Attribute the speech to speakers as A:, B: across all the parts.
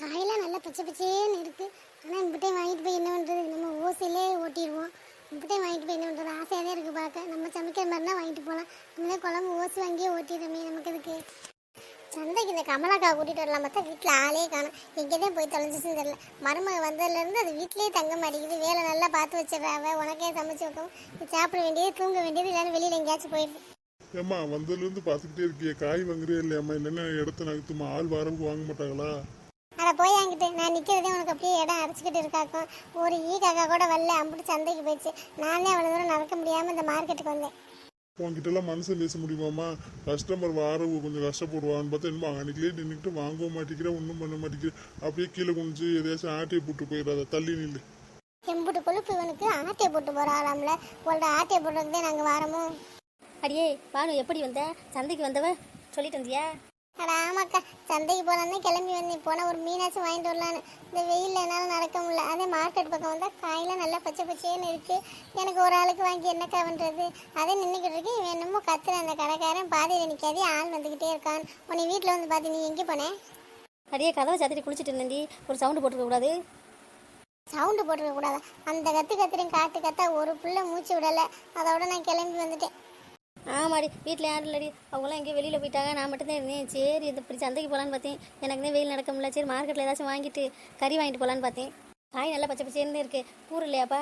A: காயெல்லாம் நல்லா பச்சை பச்சேன்னு இருக்குது. ஆனால் இம்பிட்டையும் வாங்கிட்டு போய் என்ன பண்ணுறது, நம்ம ஓசையிலே ஓட்டிடுவோம். இம்பிட்டையும் வாங்கிட்டு போய் என்ன பண்ணுறது, ஆசையாக தான் இருக்குது பார்க்க. நம்ம சமைக்கிற மாதிரி தான் வாங்கிட்டு போகலாம். நம்மளே குழம்பு ஓசி வாங்கியே ஓட்டிடுறோமே, நமக்கு இதுக்கு சந்தைக்கு இந்த கமலாக்கா கூட்டிகிட்டு வரலாம் பார்த்தா வீட்டில் ஆளே காணும். எங்கே தான் போய் தொலைஞ்சிச்சுன்னு தெரியல. மருமக வந்ததுலேருந்து அது வீட்டிலே தங்க மாட்டேங்குது. வேலை நல்லா பார்த்து வச்சிடறாவ, உனக்கே சமைச்சு வைக்கவும் சாப்பிட வேண்டியது தூங்க வேண்டியது, இல்லைன்னு வெளியில் எங்கேயாச்சும் போயிடுது.
B: ஏம்மா வந்ததுலேருந்து பார்த்துக்கிட்டே இருக்கிய, காய் வாங்குறே இல்லையாம்மா? இல்லைன்னா இடத்த நகர்த்துமா, ஆள் வரவுக்கு வாங்க மாட்டாங்களா?
A: அதை போய் அங்கிட்டு நான் நிற்கிறதே உனக்கு அப்படியே இடம் அரைச்சிக்கிட்டு இருக்காக்கும். ஒரு காக்கா கூட வரல, அம்பிட்டு சந்தைக்கு போயிடுச்சு. நானே அவ்வளோ தூரம் நடக்க முடியாமல் இந்த மார்க்கெட்டுக்கு வந்தேன்.
B: உங்ககிட்டலாம் மனசை பேச முடியுமாம்மா? கஸ்டமர் வரவு கொஞ்சம் கஷ்டப்படுவான்னு பார்த்தா என்னமா அன்றைக்கிலே நின்றுக்கிட்டு வாங்கவும் மாட்டேங்கிறேன், ஒன்றும் பண்ண மாட்டேங்கிறேன். அப்படியே கீழே குனிஞ்சு எதையாச்சும் ஆட்டையை போட்டு போயிடாத, தள்ளி நில்லு.
A: எம்புட்டு கொழுப்பு இவனுக்கு, ஆட்டையை போட்டு போகிறாளாம்ல. உங்களோட ஆட்டையை போடுறதுக்கு தான் நாங்கள் வாரமோ.
C: அடியே பானு, எப்படி வந்த? சந்தைக்கு வந்தவ சொல்லிட்டு வந்தியா?
A: அட ஆமாக்கா, சந்தைக்கு போகலான்னு கிளம்பி வந்தேன். போனால் ஒரு மீனாச்சும் வாங்கிட்டு வரலான்னு. இந்த வெயிலில் என்னால் நடக்க முடியல. அதே மார்க்கெட் பக்கம் வந்தால் காயெல்லாம் நல்லா பச்சை பச்சைன்னு இருக்குது. எனக்கு ஒரு ஆளுக்கு வாங்கி என்னக்கா பண்ணுறது? அதே நின்றுக்கிட்டு இருக்கு. இவன் என்னமோ கத்துற அந்த கடைக்காரன் பாதியில் நிற்காதே, ஆள் வந்துக்கிட்டே இருக்கான். உன்னை வீட்டில் வந்து பார்த்து நீ எங்கே போனேன்?
C: அடியே கதவை சாத்திட்டு குளிச்சுட்டு இருந்தேன்டி, ஒரு சவுண்டு போட்டுக்க கூடாது.
A: சவுண்டு போட்டுக்க கூடாதா? அந்த கத்துறேன் காட்டு கத்தா ஒரு புள்ள மூச்சு விடலை. அதோட நான் கிளம்பி வந்துட்டேன்.
C: ஆமாடி, வீட்டில் யாரும் இல்லடி, அவங்களாம் எங்கேயும் வெளியில் போயிட்டாங்க. நான் மட்டும்தான் இருந்தேன். சரி இது இப்படி சந்தைக்கு போகலான்னு பார்த்தேன். எனக்கு தான் வெயில் நடக்க முடியல. சரி மார்க்கெட்டில் ஏதாச்சும் வாங்கிட்டு கறி வாங்கிட்டு போகலான்னு பார்த்தேன். காய் நல்லா பச்சை பச்சைன்னு இருக்குது. கூறு இல்லையாப்பா?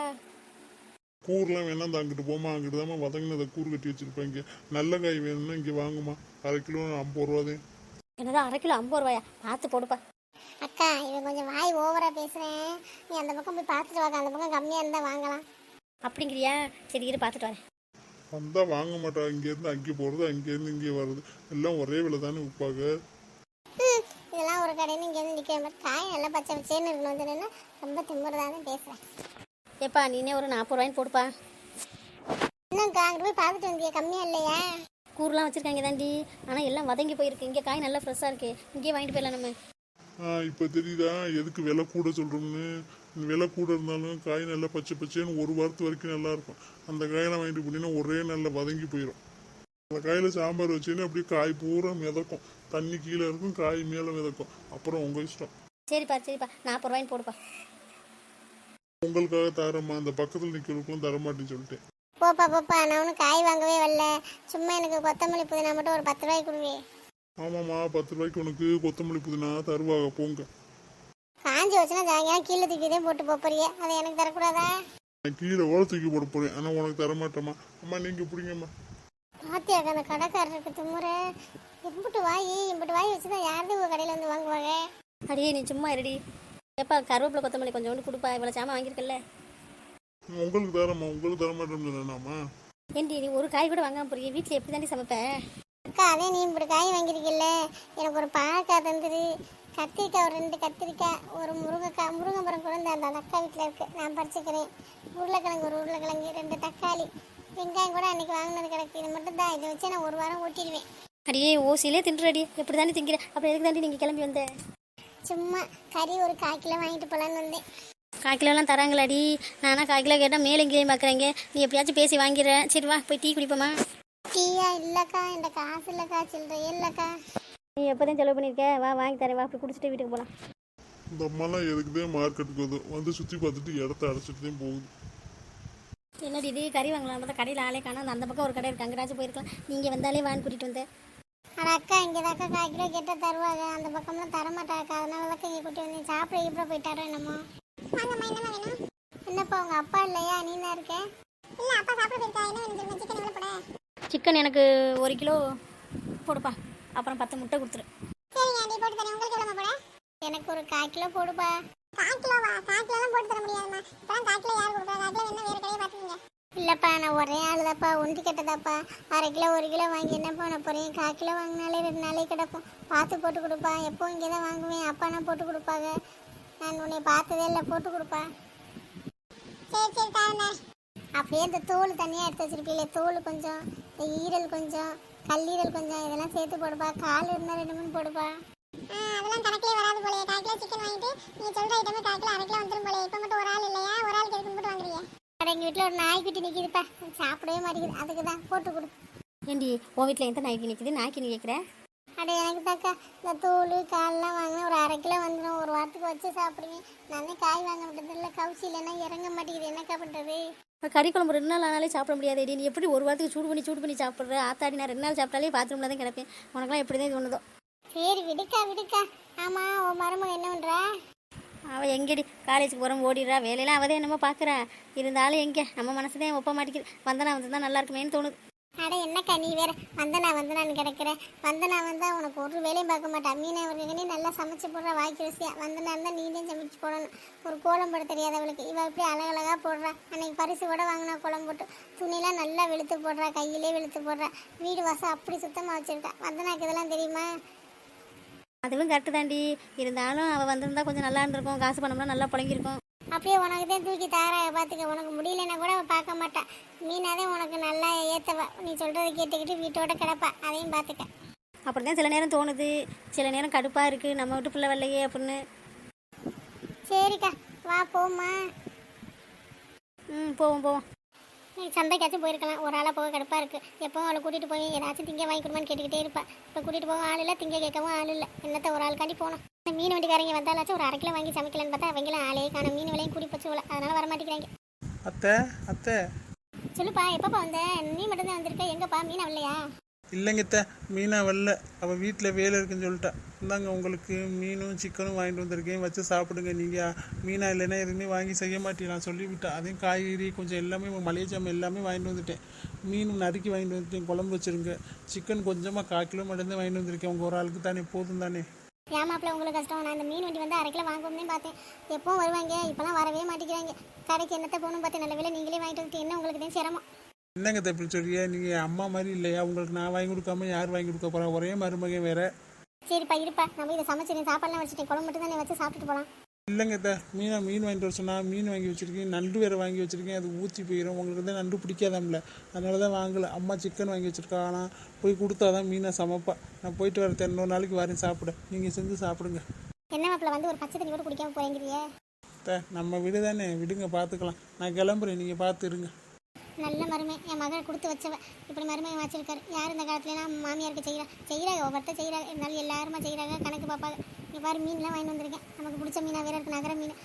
B: கூறுலாம் வேணா அந்த அங்கிட்டு போமா, அங்கிட்டு தாம்மா வதங்கினதை கூறு கட்டி வச்சுருப்பாங்க. நல்ல காய் வேணும்னா இங்கே வாங்குமா. 1/2 கிலோ 50 ரூபாதே.
C: என்னதான் 1/2 கிலோ 50 ரூபாயா? பார்த்து போடுப்பா.
A: அக்கா இவன் கொஞ்சம் வாய் ஓவராக பேசுகிறேன். நீ அந்த பக்கம் போய் பார்த்துட்டு வாங்க. அந்த பக்கம் கம்மியாக இருந்தால் வாங்கலாம்.
C: அப்படிங்கிறியா? சரி இரு பார்த்துட்டு வரேன்.
B: வந்தால் வாங்க மாட்டா. இங்கேருந்து அங்கே போகிறது, அங்கேருந்து இங்கே வர்றது, எல்லாம் ஒரே விலை தானே விற்பாங்க.
A: இதெல்லாம் ஒரு கடைன்னு இங்கேருந்து நிற்கிற மாதிரி காய் நல்லா பச்சை பச்சேன்னு இருக்கணும். வந்துடுன்னா ரொம்ப திமுறதானே பேசுகிறேன்.
C: ஏப்பா நீனே ஒரு 40 ரூபாய்ன்னு போடுப்பா.
A: இன்னும்க்கா அங்கிட்டு போய் பார்த்துட்டு வந்தியா? கம்மியாக இல்லையா?
C: கூறுலாம் வச்சுருக்காங்க தாண்டி, ஆனால் எல்லாம் வதங்கி போயிருக்கு. இங்கே காய் நல்லா ஃப்ரெஷ்ஷாக இருக்குது. இங்கேயே வாங்கிட்டு போயிடலாம் நம்ம.
B: இப்போ தெரியுதா எதுக்கு விலை கூட சொல்கிறோம்னு? விலை கூட இருந்தாலும் காய் நல்லா பச்சை பச்சைன்னு ஒரு வாரத்து வரைக்கும் நல்லாயிருக்கும். அந்த காயெல்லாம் வாங்கிட்டு போனீங்கன்னா ஒரே நல்லா வதங்கி போயிடும். அந்த காயில் சாம்பார் வச்சேன்னா அப்படியே காய் பூரா மிதக்கும். தண்ணி கீழே இருக்கும், காய் மேலே மிதக்கும். அப்புறம் உங்கள் இஷ்டம்.
C: சரிப்பா 40 ரூபாய்ன்னு போடுப்பா.
B: உங்களுக்காக தரமா, அந்த பக்கத்தில் நிற்கிறவங்களுக்கும் தரமாட்டேன்னு சொல்லிட்டேன்.
A: போப்பா நான் ஒன்றும் காய் வாங்கவே வரல. சும்மா எனக்கு கொத்தமல்லி புதினா மட்டும் ஒரு 10 ரூபாய்க்கு கொடுவே.
B: ஆமாம்மா, 10 ரூபாய்க்கு உனக்கு கொத்தமல்லி புதினா தருவாங்க, போங்க.
A: காஞ்சி வச்சுன்னா சாயங்காலம் கீழே தூக்கிதே போட்டு போறியே, அதை எனக்கு தரக்கூடாதா?
B: நான் கீழே ஓட தூக்கி போட போகிறேன், ஆனால் உனக்கு தரமாட்டேம்மா. அம்மா நீங்கள் பிடிங்கம்மா.
A: பாத்தியாக்கா அந்த கடைக்காரருக்கு திமுறை. இம்பிட்டு வாய் வச்சுதான் யாரும் உங்கள் கடையில் வந்து வாங்குவாங்க.
C: அடியே நீ சும்மா இருடி. எப்பா கருவேப்பிலை கொத்தமல்லி கொஞ்சோண்டு கொடுப்பா. இவ்வளோ சாமான் வாங்கியிருக்கல.
B: உங்களுக்கு தரம்மா, உங்களுக்கு தரமாட்டேன்னு சொன்னாமா?
C: ஏண்டி நீ ஒரு காய் கூட வாங்காம போறிய? வீட்டில் எப்படி தாண்டி சமைப்பேன்?
A: அக்கா அதே நீ இப்படி காய் வாங்கியிருக்கில்ல, எனக்கு ஒரு பாவக்காய் தந்துரு, கத்திரிக்காய் ஒரு 2 கத்திரிக்காய், ஒரு முருங்கைமரம் கூட அந்த அக்கா வீட்டில் இருக்குது, நான் பறிச்சுக்கிறேன். உருளைக்கிழங்கு ஒரு உருளைக்கிழங்கு, 2 தக்காளி, வெங்காயம் கூட அன்றைக்கி வாங்கினது கிடக்கு. இது மட்டும் தான். இதை வச்சு நான் ஒரு வாரம் ஓட்டிடுவேன்.
C: அடியே ஓசிலே தின்றுடி, எப்படி தாண்டி திங்கிற? அப்புறம் எதுக்கு தாண்டி நீங்கள் கிளம்பி வந்த?
A: சும்மா கறி ஒரு 1/4 கிலோ வாங்கிட்டு போகலான்னு வந்தேன்.
C: 1/4 கிலோலாம் தராங்களாடி? நானா 1/4 கிலோ கேட்டால் மேலே எங்கேயும் பார்க்குறேங்க. நீ எப்படியாச்சும் பேசி வாங்கிடுறேன். சரி வா போய் டீ குடிப்போமா?
A: டீயா? இல்லைக்கா என்கிட்ட காசு இல்லைக்கா, சில்லறையே இல்லைக்கா.
C: நீ எப்போதான் செலவு பண்ணியிருக்க? வா வாங்கி தரேன். வா போய் குடிச்சிட்டு வீட்டுக்கு போகலாம்.
B: இந்த அம்மாலாம் எதுக்குதான் மார்க்கெட்டுக்கு வந்து சுற்றி பார்த்துட்டு இடத்த அடைச்சிட்டு தான் போகுது.
C: என்னடி இது கறி வாங்கலாம் பார்த்தா கடையில் ஆளே காணோம். அந்த பக்கம் ஒரு கடை இருக்குது, அங்கேயாச்சும் போயிருக்கலாம். நீங்கள் வந்தாலே வாங்கி கூட்டிகிட்டு வந்தேன்.
A: ஆனால் அக்கா இங்கே தாக்கா 1/4 கிலோ கேட்டால் தருவாங்க. அந்த பக்கம்லாம் தரமாட்டாக்கா. அதனால தான் இங்கே கூட்டி வந்தேன். சாப்பிட இப்படி போயிட்டாரோ என்னமோ. வாங்கம்மா, என்னம்மா வேணும்? என்னப்பா உங்கள் அப்பா இல்லையா? நீ தான் இருக்க? இல்லை, அப்பா சாப்பிட போயிருக்கா. என்ன வேணும் தெரியுமா? சிக்கன் எவ்வளோ போட?
C: சிக்கன் எனக்கு 1 கிலோ போடுப்பா. அப்புறம் 10 முட்டை கொடுத்துரு.
A: சரிங்க, நீ போட்டு தரேன். உங்களுக்கு எவ்வளோ போட? எனக்கு ஒரு 1/4 கிலோ போடுப்பா. 1/4 கிலோவா? 1/4 கிலோலாம் போட்டு தர முடியாதும்மா. இப்போலாம் 1/4 கிலோ யார் கொடுக்குறா? 1/4 கிலோ என்ன வேறு கடையை பார்த்துக்கீங்க. இல்லைப்பா நான் ஒரே ஆள் தான்ப்பா, ஒன்று கெட்டதாப்பா. 1/2 கிலோ 1 கிலோ வாங்கி என்ன பண்ண போகிறேன்? 1/4 கிலோ வாங்கினாலே 2 நாளே கிடக்கும். பார்த்து போட்டு கொடுப்பா. எப்போ இங்கே தான் வாங்குவேன். அப்பானா போட்டு கொடுப்பாங்க. நான் உன்னை பார்த்ததே இல்லை. போட்டு கொடுப்பா. சரி தானே. அப்படியே இந்த தோல் தனியாக எடுத்து வச்சிருப்பீங்களே, தோல் கொஞ்சம், இந்த ஈரல் கொஞ்சம், கல்லீரல் கொஞ்சம், இதெல்லாம் சேர்த்து போடுப்பா. கால் இருந்தால் 2 3 போடுப்பா. அதெல்லாம் கணக்கிலே வராது போலே. 1/4 கிலோ சிக்கன் வாங்கிட்டு நீங்கள் சொல்கிற ஐட்டமே 1/4 கிலோ 1/2 கிலோ வந்துடும் போலே. இப்போ மட்டும் ஒரு ஆள் இல்லையா? ஒரு ஆளுக்கு எதுக்கு மட்டும் வாங்குறீங்க? எங்கள் வீட்டில் ஒரு நாய்க்குட்டி நிற்கிதுப்பா, சாப்பிடவே மாட்டேங்குது. அதுக்கு தான் போட்டு கொடு.
C: ஏண்டி உன் வீட்டில் எந்த நாய்க்கு நிற்கிது? நாய்க்கு நீ கேட்குற?
A: அட எனக்கு தாக்கா இந்த தோல் காலெலாம் வாங்கினா ஒரு 1/2 கிலோ வந்துடும். ஒரு வாரத்துக்கு வச்சு சாப்பிடுவேன். நானே காய் வாங்க விட்டது இல்லை, கவுச்சி இல்லைன்னா இறங்க மாட்டேங்குது, என்னக்கா பண்ணுறது?
C: கறி குழம்பு 2 நாள் ஆனாலே சாப்பிட முடியாது. நீ எப்படி ஒரு வாரத்துக்கு சூடு பண்ணி சாப்பிட்ற? ஆத்தாடி நான் 2 நாள் சாப்பிட்டாலே பாத்ரூமில் தான் கிடப்பேன். உனக்குலாம் எப்படி தான் தோணுதோ.
A: சரி விடுக்கா. ஆமாம், உன் மருமக என்ன பண்ணுறா?
C: அவள் எங்கடி காலேஜுக்கு போகிறோம் ஓடிடுறா, வேலையெல்லாம் அவதே என்னமோ பார்க்குறா. இருந்தாலும் எங்கே நம்ம மனசு தான் ஒப்ப மாட்டேங்குது. வந்தனா வந்து தான் நல்லா இருக்குமேன்னு தோணுது.
A: அட என்னக்கா நீ வேற வந்தனான்னு கிடக்குற. வந்தனா வந்தா உனக்கு ஒரு வேலையும் பார்க்க மாட்டா. மீனை அவர்களுக்கு நல்லா சமைச்சு போடுற வாய்க்கு ருசியா. வந்தனா இருந்தால் நீ தான் சமைச்சு போடணும். ஒரு கோலம் போட தெரியாதவளுக்கு இவள் இப்படி அழகழகாக போடுறா. அன்னைக்கு பரிசு கூட வாங்கினா கோலம் போட்டு துணிலாம் நல்லா வெளுத்து போடுறா, கையிலே வெளுத்து போடுறா. வீடு வாசம் அப்படி சுத்தமாக வச்சுருக்கா. வந்தனாக்கு இதெல்லாம் தெரியுமா?
C: அதுவும் கரெக்டு தாண்டி. இருந்தாலும் அவள் வந்திருந்தா கொஞ்சம் நல்லா இருந்திருக்கும். காசு பணம்லாம் நல்லா புழங்கியிருக்கும்.
A: அப்படியே உனக்கு தான் தூக்கி தாரா பார்த்துக்க. உனக்கு முடியலன்னா கூட அவள் பார்க்க மாட்டா. மீனாதே உனக்கு நல்லா ஏற்றவா. நீ சொல்கிறத கேட்டுக்கிட்டு வீட்டோட கிடப்பா. அதையும் பார்த்துக்க.
C: அப்படி தான் சில நேரம் தோணுது, சில நேரம் கடுப்பாக இருக்குது, நம்ம வீட்டு பிள்ளை வரலையே அப்படின்னு.
A: சரிக்கா வா போம்மா.
C: போவோம்.
A: நீ சந்தைக்காச்சும் போயிருக்கலாம். ஒரு ஆளாக போக கடுப்பாக இருக்குது. எப்போவும் அவளை கூட்டிகிட்டு போய் ஏதாச்சும் திங்க வாங்கி கொடுமான்னு கேட்டுக்கிட்டே இருப்பா. இப்போ கூட்டிகிட்டு போக ஆள் இல்லை, திங்க கேட்கவும் ஆள் இல்லை. என்னத்த ஒரு ஆளுக்காண்டி போனோம். இந்த மீன் வண்டிக்காரங்க வந்தாலாச்சும் ஒரு 1/2 கிலோ வாங்கி சமைக்கலான்னு பார்த்தா அவங்களாம் ஆளே காணும். மீன் விலையும் கூடி போச்சு போல, அதனால வரமாட்டேங்கிறாங்க.
D: அத்தை
A: சொல்லுப்பா, எப்பப்பா வந்த? நீ மட்டும்தான் வந்திருக்க. எங்கப்பா மீன் வரலையா?
D: இல்லைங்க அத்தை, மீனா வரல. அவள் வீட்டில் வேலை இருக்குன்னு சொல்லிட்டா. இந்தாங்க உங்களுக்கு மீனும் சிக்கனும் வாங்கிட்டு வந்திருக்கேன், வச்சு சாப்பிடுங்க. நீங்கள் மீனா இல்லைன்னா எதுவுமே வாங்கி செய்ய மாட்டேன் நான் சொல்லிவிட்டேன். அதையும் காய்கறி கொஞ்சம் எல்லாமே மளிகை ஜாமான் எல்லாமே வாங்கிட்டு வந்துட்டேன். மீன் நறுக்கி வாங்கிட்டு வந்துட்டேன், குழம்பு வச்சுருங்க. சிக்கன் கொஞ்சமாக 1/4 கிலோ மட்டும்தான் வாங்கிட்டு வந்திருக்கேன். உங்கள் ஒரு ஆளுக்கு தானே, போதும் தானே.
A: ஏமாப்பில் உங்களுக்கு கஷ்டம். நான் இந்த மீன் வண்டி வந்து 1/2 கிலோ வாங்குவோம்னே பார்த்தேன். எப்பவும் வருவாங்க, இப்போலாம் வரவே மாட்டேங்கிறாங்க. கடைக்கு என்னத்தை போகணும் பார்த்தேன். நல்ல வேலை நீங்களே வாங்கிட்டு வந்துட்டு என்ன உங்களுக்கு தான் சிரமம்.
D: என்னங்க தப்பி சொல்றியா? நீங்கள் அம்மா மாதிரி இல்லையா? உங்களுக்கு நான் வாங்கி கொடுக்காம யார் வாங்கி கொடுக்க போகிறா? ஒரே மருமகன் வேற.
A: சரிப்பா இருப்பா, நம்ம இதை சமைச்சிருக்கேன், சாப்பாடுலாம் வச்சுட்டேன். குழம்பு மட்டும் தான் வச்சு சாப்பிட்டுட்டு போகலாம்.
D: இல்லைங்க அத்தை, மீன் வாங்கிட்டு வர சொன்னா மீன் வாங்கி வச்சுருக்கேன், நண்டு வேறு வாங்கி வச்சுருக்கேன். அது ஊற்றி போயிடும். உங்களுக்கு தான் நண்டு பிடிக்காதாம்ல, அதனால தான் வாங்கலை. அம்மா சிக்கன் வாங்கி வச்சுருக்கா. ஆனால் போய் கொடுத்தா தான் மீனை சமைப்பா. நான் போயிட்டு வரேன், இன்னொரு நாளைக்கு வரேன் சாப்பிட. நீங்கள் செஞ்சு சாப்பிடுங்க.
A: என்ன மாப்பிள்ள வந்து ஒரு பச்சை தண்ணி கூட குடிக்காம போறீங்கிறியே?
D: அத்தை நம்ம வீடு தானே, விடுங்க பார்த்துக்கலாம். நான் கிளம்புறேன், நீங்கள் பார்த்து இருங்க.
A: நல்ல மருமை, என் மகள் கொடுத்து வச்சவ. இப்படி மருமை வச்சிருக்காரு. யார் இந்த காலத்துலலாம் மாமியாருக்கு செய்கிறாங்க, ஒவ்வொருத்தர் செய்கிறாங்க. இருந்தாலும் எல்லாருமா செய்கிறாங்க, கணக்கு பார்ப்பாங்க. இங்கே பாரு மீன்லாம் வாங்கிட்டு வந்திருக்கேன். நமக்கு பிடிச்ச மீனாக வேற இருக்கு, நகர மீன்.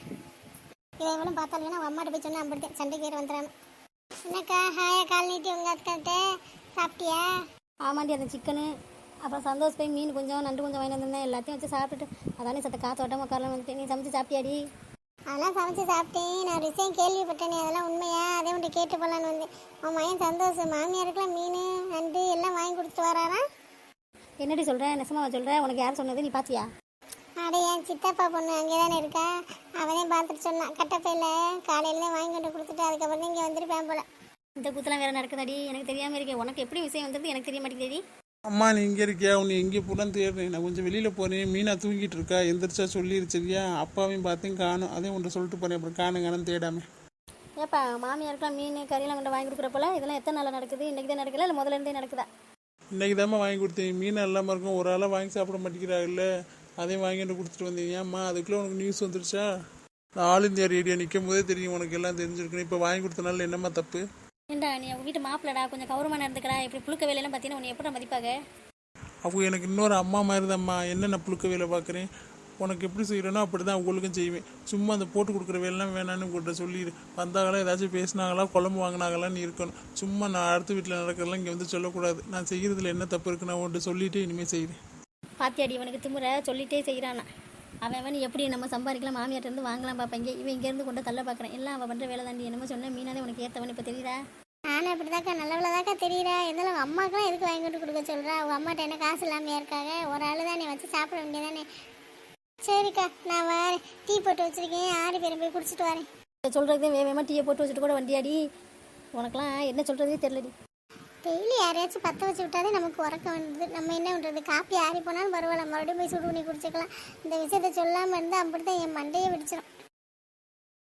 A: இதை எவ்வளோ பார்த்தாலும் அவன் அம்மாட்ட போய் சொன்னால் அம்பிடுத்தேன், சண்டைக்கு வேறு வந்துடுறாங்க. என்னக்கா ஹாயா கால் நீட்டி உங்கள் அக்காட்ட சாப்பிட்டியா?
C: ஆமாண்டி, அந்த சிக்கனு அப்புறம் சந்தோஷ் போய் மீன் கொஞ்சம் நண்டு கொஞ்சம் வாங்கிட்டு வந்திருந்தேன். எல்லாத்தையும் வச்சு சாப்பிட்டுட்டு அதானே சத்த காத்தோட்டம் உட்காரலாம் வந்துட்டு. நீ சமைச்சு சாப்பிட்டியாடி?
A: அதெல்லாம் சமைச்சு சாப்பிட்டேன். நான் ஒரு விஷயம் கேள்விப்பட்டேனே, அதெல்லாம் உண்மையா? அதே உன்ட்டு கேட்டு போகலான்னு வந்தேன். உன் மகன் சந்தோஷம் மாமியாருக்கெல்லாம் மீன் நண்டு எல்லாம் வாங்கி கொடுத்துட்டு வராரா?
C: என்னடி சொல்கிறேன்? நெசமாவா சொல்கிறேன்? உனக்கு யார் சொன்னது? நீ பார்த்தியா?
A: அட என் சித்தப்பா பொண்ணு அங்கே தானே இருக்கா, அவனையும் பார்த்துட்டு சொன்னான். கட்டப்பையில் காலையில் தான் வாங்கி கொண்டு கொடுத்துட்டு அதுக்கப்புறம் தான் இங்கே வந்துருப்பேன் போல.
C: இந்த கூத்தெல்லாம் வேறு நடக்குதாடி? எனக்கு தெரியாமல் இருக்கேன். உனக்கு எப்படி விஷயம் வந்தது எனக்கு தெரிய மாட்டேங்குது.
D: அம்மா நீ இங்கே இருக்கியா? உன்னை எங்கே போனான்னு தேடுறேன். நான் கொஞ்சம் வெளியில் போகிறேன். மீனா தூங்கிட்டு இருக்கா, எந்திரிச்சா சொல்லிருச்சியா? அப்பாவையும் பார்த்தையும் காணும். அதே உன்ட்ட சொல்லிட்டு போகிறேன். அப்புறம் காணுங்கன்னு தேடாமல்.
C: ஏப்பா மாமியாருக்கெல்லாம் மீன் கறியெல்லாம் கொண்டு வாங்கி கொடுக்குற போல இதெல்லாம் எத்தனை நாள் நடக்குது? இன்றைக்கி தான் நடக்கல, இல்லை முதல்ல இருந்தே நடக்குதா?
D: இன்றைக்கி தாம்மா வாங்கி கொடுத்தேன். மீன் இல்லாமல் இருக்கும். ஒரு ஆளாக வாங்கி சாப்பிட மாட்டேங்கிறாங்கல்ல, அதையும் வாங்கிட்டு கொடுத்துட்டு வந்தேன். ஏம்மா அதுக்குள்ளே உனக்கு நியூஸ் வந்துருச்சா? நான் ஆல் இந்தியா ரேடியோ நிற்கும் போதே தெரியும் உனக்கு எல்லாம் தெரிஞ்சிருக்கணும். இப்போ வாங்கி கொடுத்தனால என்னம்மா தப்பு?
C: ஏண்டா நீ அவங்க வீட்டு மாப்பிள்ளடா, கொஞ்சம் கௌரவமாக நடந்துக்கடா. இப்படி புழுக்க வேலையெல்லாம் பார்த்தீங்கன்னா உன்னை எப்படி மதிப்பாங்க?
D: அவங்க எனக்கு இன்னொரு அம்மா மாதிரி தான்ம்மா. என்ன நான் புழுக்க வேலை பார்க்குறேன்? உனக்கு எப்படி செய்கிறேனோ அப்படி தான் அவங்களுக்கும் செய்வேன். சும்மா அந்த போட்டு கொடுக்குற வேலைலாம் வேணான்னு உங்கள்கிட்ட சொல்லிடு. வந்தாங்களா ஏதாச்சும் பேசினாங்களா குழம்பு வாங்கினாங்களான்னு இருக்கணும். சும்மா நான் அடுத்த வீட்டில் நடக்கிறதெல்லாம் இங்கே வந்து சொல்லக்கூடாது. நான் செய்கிறதுல என்ன தப்பு இருக்குன்னு நான் உன்கிட்ட சொல்லிவிட்டு இனிமேல் செய்கிறேன்.
C: பாத்தியாடி இவனுக்கு திமுறை சொல்லிட்டே செய்கிறானா? அவன் எப்படி நம்ம சம்பாதிக்கலாம், மாமியார்ட்டேருந்து வாங்கலாம் பார்ப்பாங்க. இவன் இங்கேருந்து கொண்டு தள்ள பார்க்குறேன். எல்லாம் அவள் பண்ணுற வேலை தாண்டி. என்னமோ சொன்ன மீனானே உனக்கு ஏற்றவன் இப்போ தெரியுதா?
A: நானும் அப்படிதாக்கா நல்லவளதாக்கா தெரியுறா. இருந்தாலும் அம்மாக்கெல்லாம் எதுக்கு வாங்கி கொண்டு கொடுக்க சொல்கிறா? அவங்க அம்மாட்ட என்ன காசு இல்லாமல் இருக்காங்க. ஒரு ஆள் தானே வச்சு சாப்பிட வேண்டியதானே. சரிக்கா நான் வரேன். டீ போட்டு வச்சுருக்கேன், 6 பேரும் போய் குடிச்சிட்டு வரேன்.
C: சொல்கிறதே வேகமாக டீயை போட்டு வச்சுட்டு கூட வண்டியாடி. உனக்கெல்லாம் என்ன சொல்கிறதே தெரியலடி.
A: டெய்லி யாரையாச்சும் பற்ற வச்சு விட்டாதே நமக்கு உறக்க வந்தது. நம்ம என்ன பண்ணுறது? காப்பி ஆறி போனாலும் பரவாயில்ல, மறுபடியும் போய் சுடு பண்ணி குடிச்சிக்கலாம். இந்த விஷயத்த சொல்லாமல் இருந்தால் அப்படி தான் என் மண்டையே வெடிச்சிடும்.